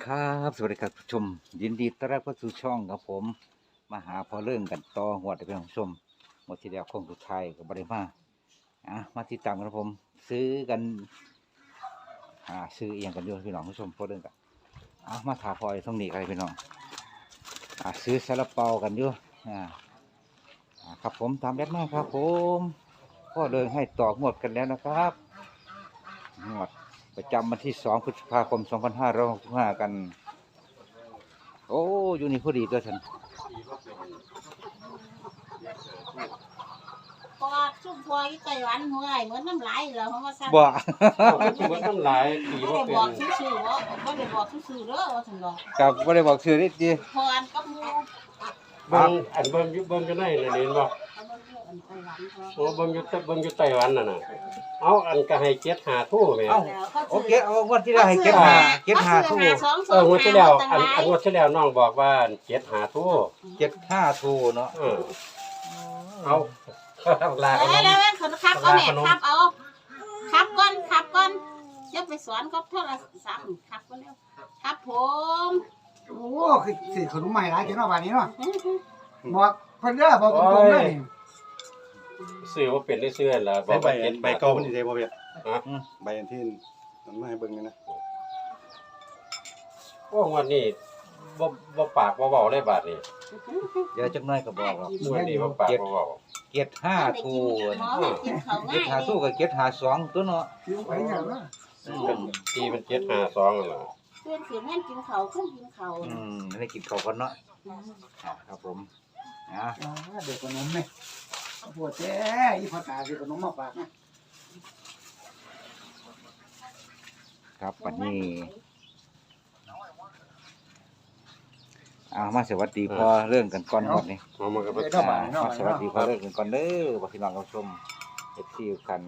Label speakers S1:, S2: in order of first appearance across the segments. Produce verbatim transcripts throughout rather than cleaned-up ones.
S1: ครับสวัสดีครับผู้ชมยินดีต้อนรับเข้าสู่ช่องครับผมมาหาพอเรื่องกันต่อหัวได้เป็นผู้ชมหมดทีเดียวคงสุดท้ายกับบริมาอ่ะมาติดตามกันครับผมซื้อกันอ่าซื้อเอียงกันด้วยพี่น้องผู้ชมพอเรื่องกันอ่ะมาถาพลอยตรงนี้กันพี่น้องอ่าซื้อซาลาเปากันด้วยอ่าอ่าครับผมตามแอดมาครับผมพ่อเรื่องให้ต่อหมดกันแล้วนะครับหมดประจำวันที่สองพฤษภาคมสองพันห้าร้อยหกสิบห้ากันโอ้อยู่นี่พอดีตัวฉัน
S2: เพราะว่าชุ่มพอยี่ไต้หวันหัวไอ้เหมือนน้ำลายเหรอเพราะว่าสั่น
S1: บ่
S3: ถือว่าต้องหลายปี
S2: ไม่
S3: ว่า
S2: ได้
S3: เป็
S2: บอก
S3: น
S2: ซื่อๆว่าไม่ได้บอกซื่อๆเด้อว่าถึงดอก
S1: กับบ่ได้บอกชื่อนิดดี
S2: พออันกับหมู
S3: เบิ่งอันเบิ่งอยู่เบิ่งอยู่ในนั่นเห็นบ่
S2: เอามาเยอะอันไต้หวันพอ
S3: โอ้เบิ่งอยู่แต่เบิ่งอยู่ไต้หวันน่ะน่ะเอาอันก็ให้เจ็ดหาทู่แม่
S1: เอ้า
S2: แล้วเขา
S1: โอ
S2: ซื้อ
S1: เคเอางวดที่แล้วให้เก็บหาเก็บหาทู่
S2: สองส
S3: เอ
S2: อง
S3: องวดที่แล้ว
S2: ตั้ง
S3: อัน
S2: หลาย
S3: อันงวดที่แล้วน้องบอกว่าเจ็ดหาทู่
S1: เก็บห้าทู่เนาะ
S3: เออเอาลา
S2: เอ
S3: ขน
S2: อ
S3: ม
S2: แล้วเขาขับเอาแม่ขับเอาขับก่อนขับก่อนจะไปสอนกับโทรศัพท์ขับก่อนเร็วครับผม
S4: โอ้คือสิขนมใหม่หลายเจ้าเนาะบาดนี้เนาะบอกเพิ่นเด้อบอกตรงๆเด้อนี่
S3: ซื้อว่าเป็นได้ซื้อล่ะบอ
S5: ใช้
S3: ก
S5: ใบ
S3: ว่าเจ็ด
S5: ใบเก่ามันสิใช้บ่เพีย
S3: ฮะ
S5: ใบอันที่มันมาให้เบิ่งนี่นะ
S3: โอ้งวดนี้บ่บ่ปากบ่เว้าเลยบาดนี้
S1: เดี๋ยวจักหน่อยก็บอกหรอก
S3: งวดนี้บ่ปากบ่เว้า
S1: เก็บห้าทู่
S2: หมอให้กินเขาว
S1: เก็บ
S2: ง่าย
S1: หาทู่ก็เก็บหาสองตัวเนาะ
S4: สิไปหยังเนาะ
S3: เป็นปีเป็นเจ็ดหาสองนั่นล่ะ
S2: เพื่อนเสียแม่นกินเขาวขึ้นกินเขาว
S1: อืมให้กินข้าวก่อนเนาะอ่าครับผมอ่า
S4: อ่าเด็กขนมแม่ปวดแท้อีพ่อตาสิขนมมาฝากนะครับ
S1: วันนี้เอามาสวัสดีพอเรื่องกันก่อนหมดนี่
S3: เอามันก็บ่
S4: เด้อ
S1: อ่า
S4: บาดนี้เนาะ
S1: มาสวัสดีพอเรื่องกันก่อนเด้อบ่พี่น้องผู้ชมเอฟซีกัน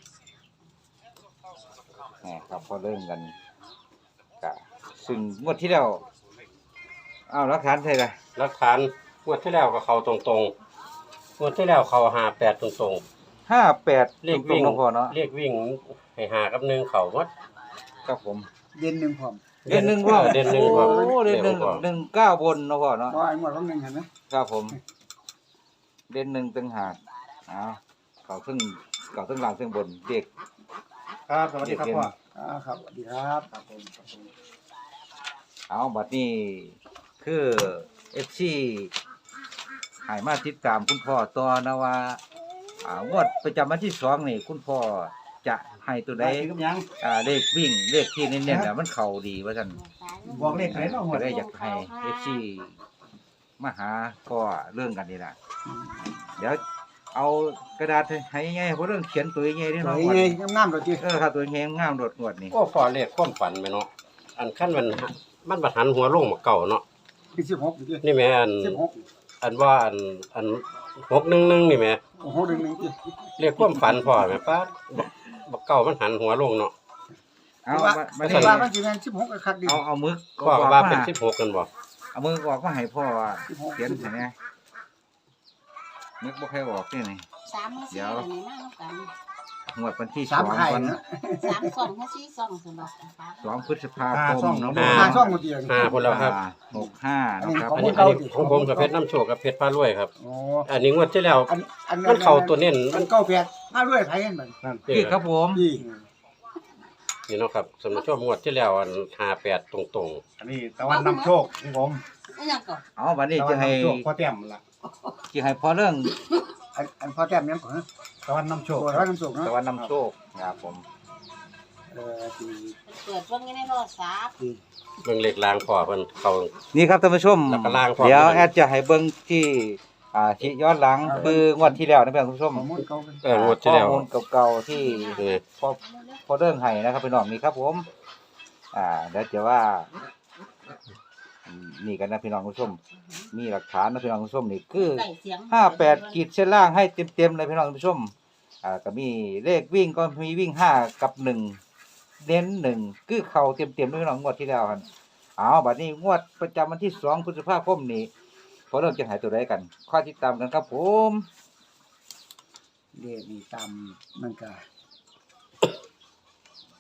S1: แหมครับพอเรื่องกันกะซึ่งงวดที่แล้วอ้าวหลักฐานใช่ล่ะ
S3: หลักฐานงวดที่แล้วก็เข้าตรงๆงวดที่แล้วเข้าห้าแปดตรงๆ
S1: ห้าแปด
S3: เลข
S1: ตร
S3: วิ่
S1: ง
S3: ง
S1: ๆเนาะพอเนาะ
S3: เลขวิ่งให้หากับหนึ่งเขาวัด
S1: ครับผม
S4: เย็นหนึงพร้อม
S1: เดือนหนึ่งว่า
S3: เดือนหนึ่งว่า
S1: โอ้เดือนหนึ่งหนึ่งเก้าบนเนาะพ่อเนาะ
S4: บ่ไอ้หมดของหนึงเห็นไหม
S1: ครับผมเดือนหนึ่งตึงหากอ้าวเก่าซึ่งเก่าซึ่งหลังซึ่งบนเด็ก
S5: ครับสวัสดีครับพ่อ
S4: อ่าครับสวัสดีครับครับผมครับผม
S1: เอาบัดนี้คือเอฟซีหายมาติดตามคุณพ่อต่อนะว่าอ่างวดประจำวันที่สองนี่คุณพ่อจะให้ตัวใด
S4: ได้กินกับหยัง
S1: อ่าเลขวิ่งเลขที่เน้นๆน่ะมันเข่าดีว่าซั่น
S4: บอกเลขไหนเนาะหม
S1: ก็
S4: ด
S1: ได้อยากให้เอฟซีมาหาพ่อเรื่องกันนี่ล่ะเดี๋ยวเอากระดาษให้ง่ายๆเพราะเรื่องเขียนตัวง่ายๆนี่
S4: สว
S1: เนาะ
S4: ยไงงามๆดอกจิ
S1: เออครับตัวง่ายงามโดดงวดนี่
S3: ก็พอเลขความฝันไปเนาะอันขั้นมันมันบัดหันหัวลงมาเก่าเนาะ
S4: คือสิบหกอยู่จิ
S3: นี่แม่อัน
S4: สิบหก
S3: อันว่าอันอันหกหนึ่งหนึ่งนี่แม่
S4: โอ้โหหนึ่งหนึ่งจิ
S3: เลขความฝันพอแม่ป้าดบักบักเก่ามันหันหัวลงเนาะ
S1: เอา
S4: ว่า
S1: มามา
S4: แต่
S1: นี่
S4: ว่ามันสิแม่นสิบหกก็คักดี
S1: เอาเอามือ
S3: พ่อก็ว่าเป็นสิบหกกันบ่
S1: เอามือออกมาให้พ่อว่า
S4: สิบหก
S1: เขียนให้แหน่นึกบ่ค่อยออกนี่นี่
S2: สามมือสี่อะไรนี่มาแล้วกัน
S1: งวดวันที่ส
S4: สา
S1: อ
S4: ม
S1: ง
S4: ไข่
S1: วัน
S4: นะ
S2: สามสองห้าสี่สองสำหรับนะคะ
S1: สองพฤษภา
S5: ห้า
S1: ค
S5: ซ่อ
S1: ม
S5: งเนาะ
S4: ห้าช่องหมดเดียวนี่
S3: ห้าคนแล้วครับ
S1: หกห้านะครับ
S3: อันนี้
S4: ข
S3: อั
S4: อน ง
S3: นี้ของผมกับเพชรน้ำโชคกับเพชรพารวยครับ
S4: โอ้
S3: อันนี้งวดที่แล้ว
S4: อันอัน
S3: มันเข้าตัวเน้นมั
S4: มัน นเก้าแปดมาด้วยไผกันบัด
S5: นั่น
S1: คือครับผม
S4: ดี
S3: นี่เนาะครับสำหรับช่วงงวดที่แล้วอันห้าแปดตรง
S5: อันนี้ตะวันนำโชคของผม
S2: ไม่ยังก่อน
S1: เอาวันนี้
S5: ตะวั
S1: จะ
S5: น
S1: ให้
S5: นำโชคพ่อแต้มล่ะ
S1: จะให้พ่อเรื่อง
S4: อันอันพ่อแต้มยังก่อนฮะ
S5: ตะวันนำโชค
S4: โอ้ร้อยน้ำสุกเนาะ
S1: ตะวันนำโชคครับผม
S4: เออดี
S2: เปิดเบิ่งในโทรศัพท์
S4: ดี
S3: ๆเบิ่งเลขลางพอเพิ่นเขา
S1: นี่ครับท่านผู้ชม
S3: แล้วก็ล่างพร้อม
S1: เดี๋ยว
S3: ด้วย
S1: แอดจะให้เบิ่งที่อ่าที่ย้อนหลังคืองวดที่แล้วนะท่านผู้ชม
S4: ข้อมูลเก่าเป็น
S3: เอองวดที่แล้ว
S1: ข้อมูลเก่าๆที่
S3: นี่
S1: พอพอเรื่องให้นะครับพี่น้องนี่ครับผม อ่าเดี๋ยวจะว่าอืมนี่กันนะพี่น้องผู้ชม มีหลักฐานนะพี่น้องผู้ชมนี่คือ
S2: ใส่เสียง
S1: ห้าแปดขีดเส้นล่างให้เต็มๆเลยพี่น้องผู้ชม อ่าก็มีเลขวิ่งก็มีวิ่งห้ากับหนึ่งเน้นหนึ่งคือเข่าเต็มๆด้วยพี่น้องงวดที่แล้วครับเอาบัดนี้งวดประจำวันที่สองพฤษภาคมนี้พอเริ่มจะหายตัวใดกันข้อติดตามกันครับผม
S4: เดี๋ยวนี่ตามมันก็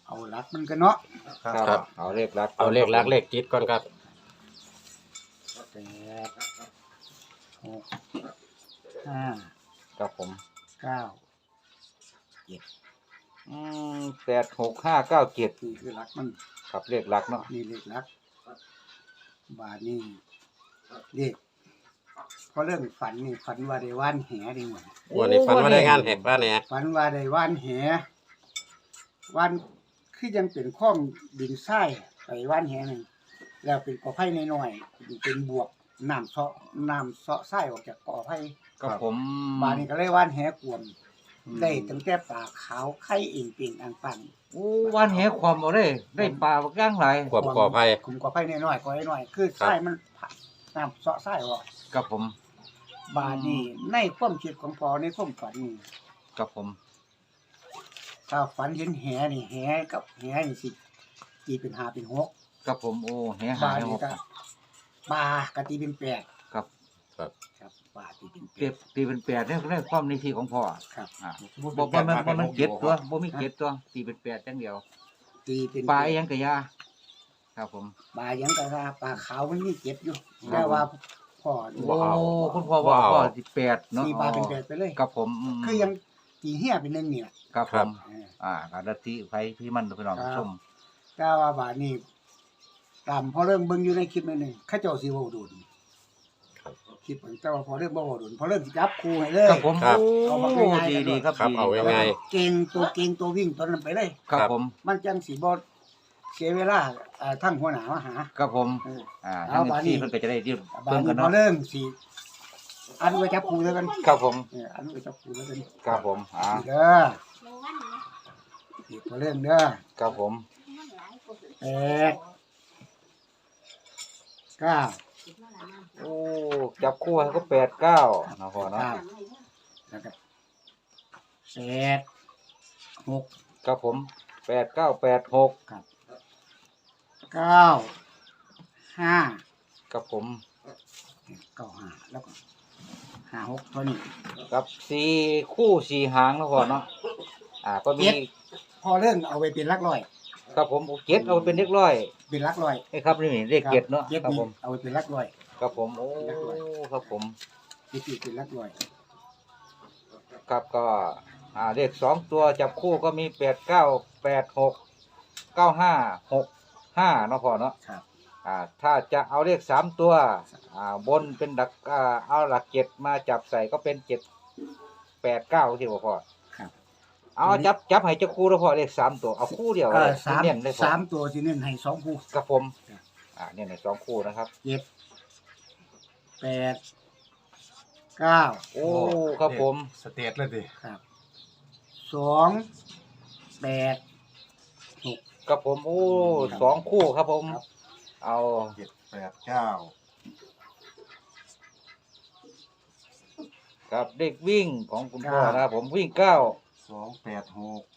S4: เอาหลักมันกันเนาะ
S3: ครับ
S1: เอาเลขลัก
S3: เอาเลขลักเลขติดก่อนครับ
S4: แปดหกห้า
S1: ครับผม
S4: เก้า
S1: อืมแปดหกห้าเก้าเจ็ด
S4: นี่คือหลักมัน
S1: ครับเลขลักเนาะ
S4: นี่เลขหลัก บาทนี่เลขพอเรื่องฝันนี่ฝันว่าได้ว่านแหดีหมด
S3: วันนี้ฝันว่าได้งานแหกบ้านเนี่ย
S4: ฝันว่าได้ว่านแหว่านคือยังเป็นข้อมดินทรายไปว่านแหหนึ่งแล้วเป็นกอไผ่น้อยๆเป็นบวกน้ำเซาะน้ำเซาะทรายออกจากกอไผ่
S1: ครับผม
S4: บาดนี้ก็เลยว่านแหกวมได้ตั้งแต่ปลาขาวไข่เองเปียงอังปัน
S1: โอ้วันแหความเอาได้ได้ปลาบักย่างหลาย
S3: ความก่อภัย
S4: คุมกอไผ่น้อยๆกอน้อยๆคือทรายมันผ่าน้ำเซาะทรายออก
S1: ครับผม
S4: บาดนี้ในความคิดของพอในความฝันนี่
S1: ครับผม
S4: ถ้าฝันเห็นแหนี่แหกับแหนี่สิตีเป็นห้าเป็นหก
S1: ครับผมโอ้แหหา
S4: บาด
S1: ย
S4: นี้
S1: หก
S4: ก็ปลากะตีเป็นแปด
S1: ครับ
S3: ครับ
S4: ครับปลาตีเป็นแป
S1: เก็บ
S4: ด
S1: ตีเป็นแปดเนี่ยในความในที่ของพ่อ
S4: ครับ
S1: อ่าบ่บ่มันบ่มันเจ็ดตัวบ่มีเจ็ดตัวตีเป็นแปดจังเดียว
S4: ตีเป็น
S1: ปลาอีหยังกะยาครับผม
S4: ปลายังกะว่าปลาขาวมันมีเจ็ดอยู่แต่ว่าพ่อ
S1: โอ้คุณพ่อว่าพ่อสิแปดเนาะ
S4: ตีปลาเป็นแปดไปเลย
S1: ครับผมม
S4: คือยังตีเหี้ยเป็นหนึ่งนี่แหละ
S1: ครับผม
S4: เออ
S1: อ่าการลัทธิไผพี่มันพี่น้อง
S4: ครับ
S1: ชม
S4: แต่ว่าบาดนี้ตามพอเริ่มเบิ่งอยู่ในคลิปนั่นนึงเขาเจ้าสิเว้าดุน
S3: ครับ
S4: คลิปแต่ว่าพอเริ่มบ่เว้าดุนพอเริ่มสิจับครูให้เลย
S1: ครับผม
S3: ครับ
S4: เอามา
S1: โอ้
S4: ง่ายๆ
S1: ดีดีครับ
S3: ครับ
S1: ดี
S3: เอาไว้
S4: แล้ว
S3: ง่าย
S4: ก็เก่งตัวเก่งตัววิ่งตัวนั้นไปเลย
S1: ครับผม
S4: มันจังสิบ่เสียเวลาอ่าทั้งหัวหน้ามาหา
S1: ครับผม
S4: เออ
S1: อ่า
S4: เอา
S1: ทั้ง
S4: บาดนี้
S1: ที่เพิ่นก็จะได้เรียบ
S4: บา
S1: เพิ่
S4: ด
S1: นกั
S4: นี้
S1: น
S4: พอ
S1: เนาะ
S4: เริ่มสิอันไว้จับครูแล้วกัน
S1: ครับผม
S4: เอออันไว้จับครูแล้วกัน
S1: ครับผมอ่า
S4: เด้อ
S2: หนึ่งวันนะ
S4: นี่พอเริ่มเด้อ
S1: ครับผม
S2: มันหลายคน
S4: แปดเก้า
S2: คิดว่าหลายน้ำ
S1: โอ้จับคู่ให้ก็แปดเก้าเนาะพ่อเนาะ
S4: ครับ
S2: น้ำไม่เยอะ
S4: แล้วก็แปดหก
S1: ครับผมแปดเก้าแปดหก
S4: เก้าห้า
S1: ครับผม
S4: เก้าห้าแล้วก็ห้าหกตัวนี้
S1: กับสี่คู่สี่หางเนาะพ่อเนาะอ่าก็มี
S4: เจ็ด พอเรื่องเอาไปเป็นหลักร้อย
S1: ครับผมเจ็ดเอาเป็นเลขร้อย
S4: เป็นหลักร้อย
S1: ไอ้ครับนี่เลขเจ็ดเนาะ
S4: เจ็ด
S1: ครับ
S4: นี่
S1: ผม
S4: เอาไปเป็นหลักร้อย
S1: ครับผมโอ้
S4: เลขร้อย
S1: ครับผม
S4: เจ็ดนี่เป็นหลักร้อย
S1: ครับก็อ่าเลขสองตัวจับคู่ก็มีแปดเก้าแปดหกเก้าห้าหกห้าเนาะพ่อเนาะ
S4: ครับ
S1: อ่าถ้าจะเอาเลขสามตัวอ่าบนเป็นดักอ่าเอาหลักเจ็ดมาจับใส่ก็เป็นเจ็ดแปดเก้าที่พ่อ
S4: ครับ
S1: เอาจับจับให้เจ้าคู่แล้วพ่อเลขสามตัวเอาคู่เดียว
S4: ก็
S1: เลย
S4: สาม
S1: เน้นเลยพ่อ
S4: สามตัวที่เน้นให้สองคู่
S1: ครับผมอ่าเนี่ยในสองคู่นะครับ
S4: เจ็ดแปดเก้า
S1: โอ้ครับผม
S5: สเตทเลยดิ
S4: ครับสองแปดหก
S1: ครับผมโอ้
S4: ครับ
S1: สองคู่ครับผม
S4: ครับ
S1: เอา
S5: เจ็ดแปดเก้า
S1: ครับเด็กวิ่งของคุณพ่อนะครับผมวิ่งเก้า
S5: สองแปดหก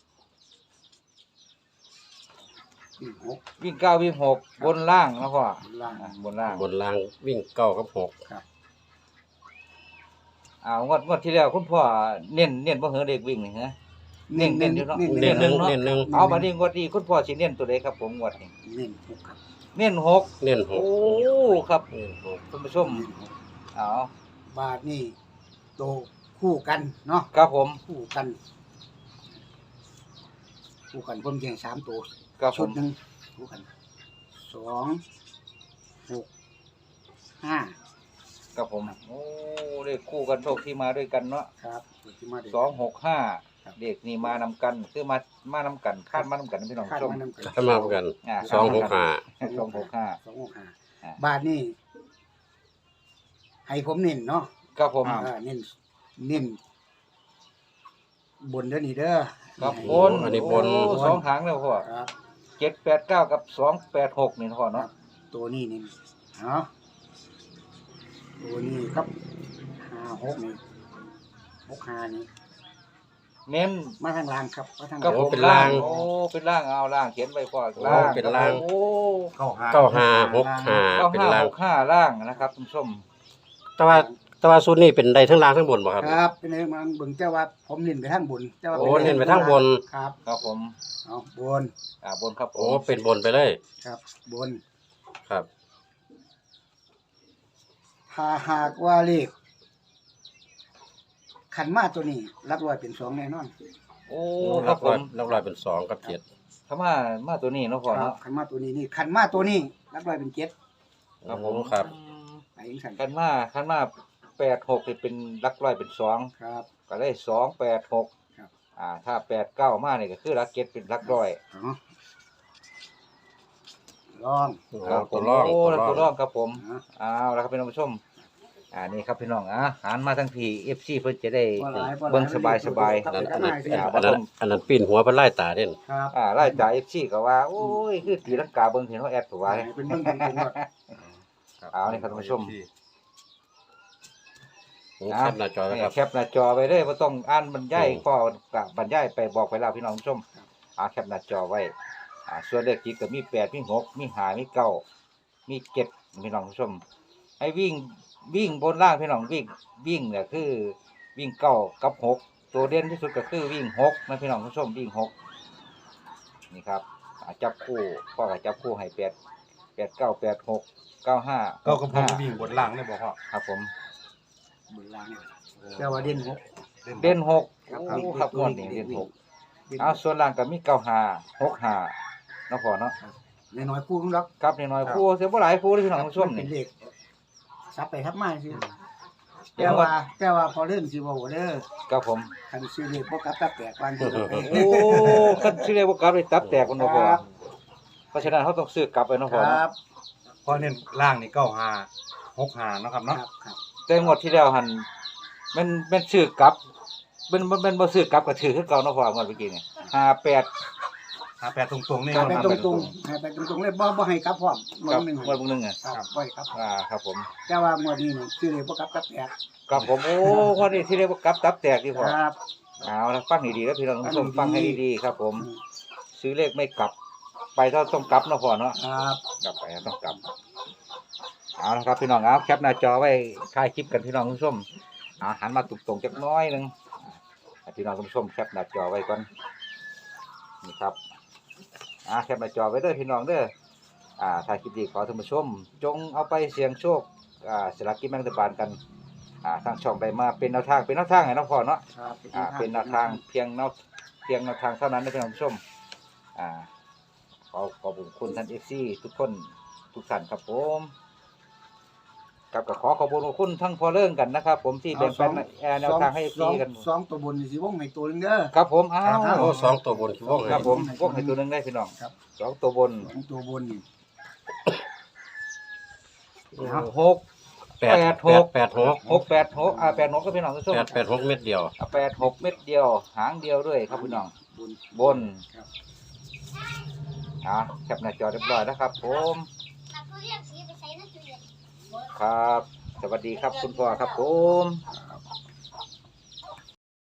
S4: สี่หก
S1: วิ่งเก้าวิ่งหกบนล่างนะพ่อ
S4: ล่าง
S1: อ่ะบนล่าง
S3: บนรางวิ่งเก้ากับหก
S4: ครับ
S1: อ่างวดงวดที่แล้วคุณพ่อเน้นเน้นบ่เหือเด็กวิ่งนี่ฮะ เน้นเน้นอยู่เนาะ
S3: เน้นหนึ่ง
S1: เนาะ
S3: เน้นหนึ่ง
S1: เอามาดีงวดนี้คุณพ่อสิเน้นตัวใดครับผมงวดนี้
S4: เน้นหกครับ
S1: เน้นหก
S3: เน้นห
S1: โอ้
S3: ก
S1: ครับ
S3: เน้นหก
S1: คุณผู้ชม
S4: เน้นหก
S1: เอา
S4: บาทนี่โตคู่กันเนาะ
S1: ครับผม
S4: คู่กัน คู่กันผมแย่งสามตัว
S1: ครับผ
S4: ชุด
S1: ม
S4: หนึ่งคู่กันสองหกห้า
S1: ครับผมโอ้เลขคู่กันโชคที่มาด้วยกันเนาะ
S4: ครับตัวที่มาเด็ก
S1: สองหกห้า
S4: ครับ
S1: เด็กนี่มานำกันคือมามานำกันคาดมานำกันพี่น้อง
S4: คาด
S1: ผู้ชม
S4: มานำกัน
S3: ถ้ามาพบกัน
S1: อ่า
S3: สองหกห้า
S1: สองหกห้า
S4: สองหกห้า
S1: อ่า
S4: บาทนี่ให้ผมเน้นเนาะ
S1: ครับผม
S4: อ่าเน้นเน้นบนเด้อนี่เด้อ
S1: ครับ
S4: ให้
S1: บน
S3: อันนี้บน
S1: โอ้สองหางแล้วพ่อ
S4: ครับ
S1: เจ็ดแปดเก้ากับสองแปดหกนี่พ่อเนาะ
S4: ตัวนี้นี่เนาะตัวนี้ครับห้าหกนี่หกห้านี่
S1: เน้น
S4: มาทางล่างครับมาทาง
S1: ครับผม
S3: เป็นล่าง
S1: โอ้เป็นล่างเอาล่างเขียนไว้พ่อ
S3: โอ้
S1: ล่าง
S3: เป็นล่าง
S1: โอ้
S5: เก้าห้า
S3: เก้าห้าหกห้า
S1: เก้า
S3: เป็น
S1: ห้า
S3: ล่าง
S1: หกห้าล่างนะครับคุณผู้ชม
S3: แต่ว่าแต่ว่าสูตรนี้เป็นได้ทั้งล่างทั้งบนบ่ครับ
S4: ครับเป็นไงมันเบิ่งแต่ว่าผมเน้นไปทางบนแต่ว่า
S3: โอ้เน้นไปทางบน
S4: ครับ
S1: ครับผม
S4: เอาบน
S1: อ่าบนครับผ
S3: โอ้
S1: ม
S3: เป็นบนไปเลย
S4: ครับบน
S3: ครับ
S4: ถ้าหากว่าเลขขันมาตัวนี้รักร้อยเป็นสองแน่นอน
S1: โอ้
S3: โอ้
S1: ค
S3: ลั
S1: รับ
S3: ก
S1: ผ
S3: ร้อย
S1: ม
S3: ลักร้อยเป็นสองกับเจ็ด
S1: ถ้ามามาตัวนี้เนาะพ่อ
S4: ครั
S1: เนาะ
S4: บขันมาตัวนี้นี่ขันมาตัวนี้รักร้อยเป็นเจ็ด
S1: ครับผม
S3: โอ้ครับ
S1: อืม
S4: ไปจังซั่น
S1: คันมาคันมาแปดหกนี่เป็นหลักร้อยเป็นสอง
S4: ครับ
S1: ก็ได้สองแปดหก
S4: ครับ
S1: อ่า ถ้าแปดเก้ามาเนี่ยก็คือหลักเจ็ดเป็นหลักร้อย
S4: เอาลอง
S3: โอ้
S1: ครับผ
S3: ตัว
S1: ม
S3: ร่อง
S1: โอ้แล้ว
S3: ตั
S1: ตัว ว
S3: ร่
S1: ร่
S3: อ
S1: อง งครับผม
S4: เอา
S1: เอาแล้วครับพี่น้องผู้ชม อ่านี่ครับพี่น้องอ่ะหันมาทั้งพี่เอฟซีเพิ่นจะได้
S4: บ่หลายบ่หลาย
S1: เบิ่งสบายสบาย
S4: ครับ
S3: อัน
S4: ไป
S3: นั้น
S4: ข้างห
S3: อัน
S4: น้าสิ
S3: นั้นอันนั้นอันนั้นปีนหัวเพิ่นไล่ตาเด่น
S4: ครับ
S1: อ่าไล่จ่ายเอฟซีก็ว่า โอ้ย คือตีลังกาเบิ่งเห็นว่าแอดตัวว่า
S4: เป็นเบิ่งตรงๆว่า
S1: เอานี่ครับท่านผู้ชม
S3: แคปหน้าจอไว้ครับ
S1: แคปหน้าจอไว้เลยบ่ต้องอ่านบรรยายพ่อกะบรรยายไปบอกไปแล้วพี่น้องผู้ชมอ่าแคปหน้าจอไว้อ่าส่วนเลขจิกก็มีแปดมีหกมีห้ามีเก้ามีเจ็ดพี่น้องผู้ชม ให้วิ่งวิ่งบนล่างพี่น้องวิ่งวิ่งเนี่ยคือวิ่งเก้ากับหกตัวเด่นที่สุดก็คือวิ่งหกนะพี่น้องผู้ชมวิ่งหกนี่ครับอ่าจับคู่พ่อก็จับคู่ให้แปดแปดเก้าแปดหกเก้าห้า
S5: ก็กระผมวิ่งบนล่างได้บ่พ่อ
S1: ครับผม
S4: บนล่างแต่ว่าเด่นหก
S1: เด่นหก
S4: ครับ
S1: โอ้ครับงวดนี้เด่นหก
S4: เด่น
S1: เอาส่วนล่างก็มีเก้าห้าหกห้าเนาะพ่อเนาะ
S4: น้อยๆคู่นึงดอก
S1: ครับน้อยๆคู่เสียบ่หลายคู่เลยพี่น้องผู้ชม
S4: เป็
S1: นี่
S4: นเลขซับไปทับมาสิแต่ว่าแต่ว่าพอเล่นสิบ่เด้อ
S1: ครับผม
S4: คันซื้อเลขบ่กลับตับแตกวันที่
S1: โอ้คันสิเรียกว่ากลับเลยตับแตกมันบ่พ่อ
S4: ครับ
S1: เพราะฉะนั้นเขาต้องซื้อกลับไปเนาะ
S4: ค
S1: พ่อ
S4: รั
S1: เนาะ
S4: บ
S5: เพราะเน้นล่างนี่เก้าห้าหกห้าเนาะครับ
S4: ค
S5: เนาะ
S4: รับครับ
S1: แต่งวดที่แล้วหันมันมันซื้อกลับมันมันมันบ่ซื้อกลับก็ถือคือเก่าเนาะพ่องวดเมื่อกี้นี่ห้าแปด
S5: ห้าแปดตรงๆนี่
S4: ให้
S5: เนาะ
S4: ไป
S5: ครับ
S4: ตรงๆให้ไปตรงๆเลยบ่บ่ให้กลับพร้อมงว
S1: ครั
S4: ด
S1: บ
S4: หนึง
S1: งวดเบิ่งหนึงอ่ะ
S4: ครับบ่ให้กลับ
S1: อ่าครับผม
S4: แต่ว่างวดนี้นี่ซื้อเลขบ่กลับตับแตก
S1: ครับผมโอ้งวดนี้ที่เรียกว่ากลับตับแตกที่พ่อ
S4: ครับ
S1: เอาละฟังดีๆแล้วพี่น้องผู้ชม
S4: ฟั
S1: ฟัง
S4: งดีๆ
S1: ให้ดีๆครับ ผม ซื้อเลขไม่กลับ ไปถ้าต้องกลับเนาะพ่อเนาะ
S4: ครับ
S1: กลับไปต้องกลับเอาละครับพี่น้องเอาแคปหน้าจอไว้ถ่ายคลิปกันพี่น้องผู้ชมเอาหันมาตรงๆจักหน้อยหนึงให้พี่น้องผู้ชมแคปหน้าจอไว้ก่อนนี่ครับอ่าแคปหน้าจอไว้เด้อพี่น้องเด้ออ่าถ่ายคลิปดีขอท่านผู้ชม จงเอาไปเสี่ยงโชคอ่าสลากกินแบ่งรัฐบาลกันอ่าทางช่องได้มาเป็นแนวทางเป็นแนวทางให้น้องพ่อเนาะ
S4: ครับ
S1: อ่าเป็นแนวทางเพียงแนวเพียงแนวทางเท่านั้นนะพี่น้องผู้ชมอ่าขอขอบคุณท่านเอฟซีทุกคนทุกท่านครับผมกับก็ขอขอบคุณทั้งพอเรื่องกันนะครับ ผมที่แบ่งปันแนวทางให้เอฟ
S4: สอ
S1: ซี
S4: ง
S1: กัน
S4: สองตัวบนนี่สิวงให้ตัวหนึงเด้อ
S1: ครับผมอ้าว
S3: โอ้สองตัวบนคือวง
S1: ค
S3: ให้
S1: รับผมพวกให้ตัวหนึงได้พี่น้อง
S4: ครับ
S1: สองตัวบน
S4: สองตัวบนนี่
S1: หก
S3: แปด
S1: แปดหก
S3: แปดหก
S1: หกแปดหกอ่าแปดหกก็พี่น้องผู้ชม
S3: แปดแปดหกเม็ดเดียว
S1: อ่าแปดหกเม็ดเดียว หางเดียวด้วยครับพี่น้อง
S4: บน
S1: บน
S4: ครับ
S1: อ่าแคปหน้าจอเรียบร้อยแล้วครับ ผม ครับ สวัสดีครับคุณพ่อครับผม
S4: ครับ